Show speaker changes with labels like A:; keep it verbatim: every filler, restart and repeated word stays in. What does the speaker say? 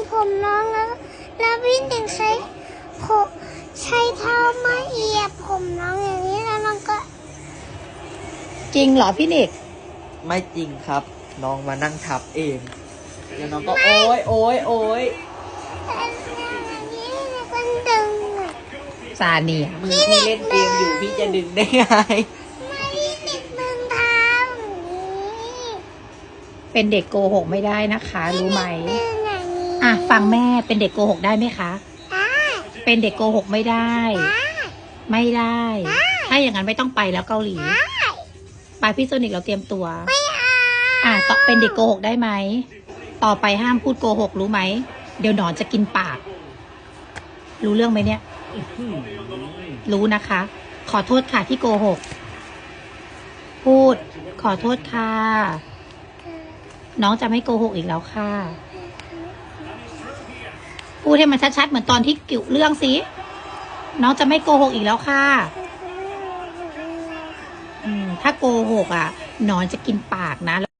A: ผมน้องแล้วแล้วพี่หนึ่งใช้ผมใช้เท้ามาเหยียบผมน้องอย่างนี้แล้วน้องก็
B: จริงเหรอพี่นิก
C: ไม่จริงครับ น้องมานั่งทับเองแล้วน้องก็โอ๊ยโอ๊ยโอ๊ย
A: อย่างนี้แล้วก็ดึงอะ
B: ซาเนีย
C: มือพี่เล่นเกมอยู่พี่จะดึงได้ไง
A: ไม่ติดดึงเท้าอย่างนี้
B: เป็นเด็กโกหกไม่ได้นะคะ รู้ไหม
A: ดึงอย่างนี้
B: อ่ะฟังแม่เป็นเด็กโกหกได้ไหมคะ
A: ได้
B: เป็นเด็กโกหกไม่ได้
A: ได้
B: ไม่ได้
A: ได้
B: ถ้าอย่างนั้นไม่ต้องไปแล้วเกาหลี
A: ได้
B: ไปพี่โซนิกเราเตรียมตัว
A: ไม่เอา
B: อ่ะต่อเป็นเด็กโกหกได้ไหม ต่อไปห้ามพูดโกหกรู้ไหม เดี๋ยวหนอนจะกินปาก รู้เรื่องไหมเนี่ย รู้นะคะ ขอโทษค่ะที่โกหก พูด ขอโทษค่ะ น้องจะไม่โกหกอีกแล้วค่ะ พูดให้มันชัดๆเหมือนตอนที่กิ่วเรื่องสิ น้องจะไม่โกหกอีกแล้วค่ะ อืม ถ้าโกหกอ่ะหนอนจะกินปากนะ